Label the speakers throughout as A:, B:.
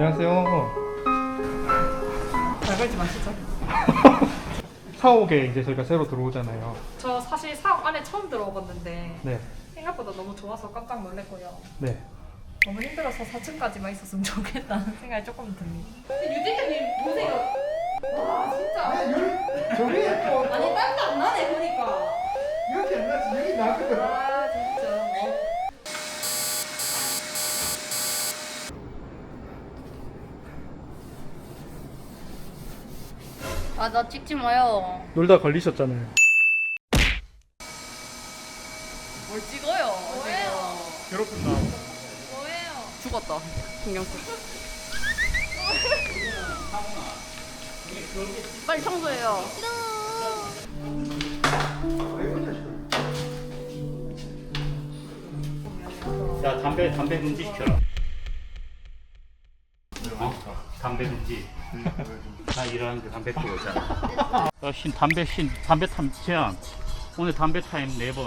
A: 안녕하세요.
B: 잘 걸지 마시죠.
A: 사옥에 이제 저희가 새로 들어오잖아요.
B: 저 사실 사업 안에 처음 들어봤는데
A: 네.
B: 생각보다 너무 좋아서 깜짝 놀랐고요.
A: 네.
B: 너무 힘들어서 4층까지만 있었으면 좋겠다는 생각이 조금 듭니다. 유진님 보세요. 와 진짜.
A: 저기
B: 아니 땀도 안 나네 보니까.
A: 이렇게 안 나지 여기 나거든.
B: 와 진짜.
C: 아, 나 찍지 마요.
A: 놀다 걸리셨잖아요.
C: 뭘 찍어요? 뭐예요?
A: 괴롭힌다.
C: 뭐예요? 죽었다. 신경 쓰. 빨리 청소해요.
D: 야, 담배 금지 시켜라. 담배 금지. 나 일하는데 담배 피우고 있잖아. 담배 타임 제한. 오늘 담배 타임 4번.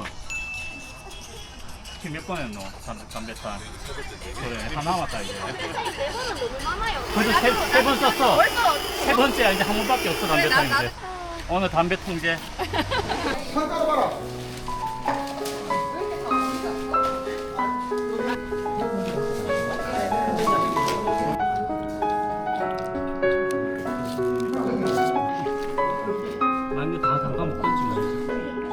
D: 지금 몇 번 했노? 담배 타임. 그래, 다 남았다, 이제.
C: 4번은 너무 많아요.
D: 그래도 세 번 썼어. 세 번째야, 이제 한 번밖에 없어, 담배 타임 이제.
C: 나
D: 오늘 담배 통제.
A: 상가로 봐라.
D: 아니, 다 담가 먹겠지, 뭐.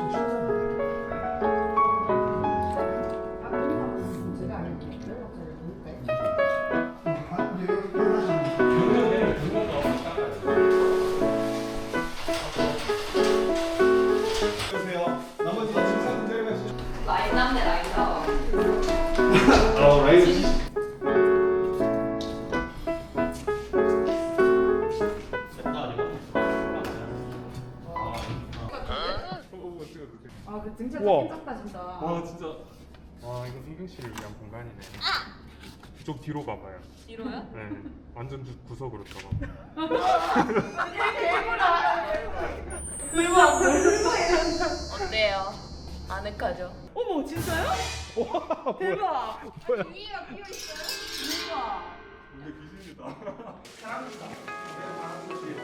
C: 라인 남네, 라인 나.
A: 라이브.
B: 아그 등차
A: 우와.
B: 괜찮다 진짜.
E: 와 진짜 와 이거 승경 씨를 위한 공간이네. 좀 뒤로 가봐요.
C: 뒤로요?
E: 네, 완전 구석으로 들어가.
C: 어때요? 아늑하죠?
B: 어머 진짜요? 대박.
A: 뭐야?
C: 위에가 비어있어요? 대박.
E: 근데 귀신이다.
A: 사람이다.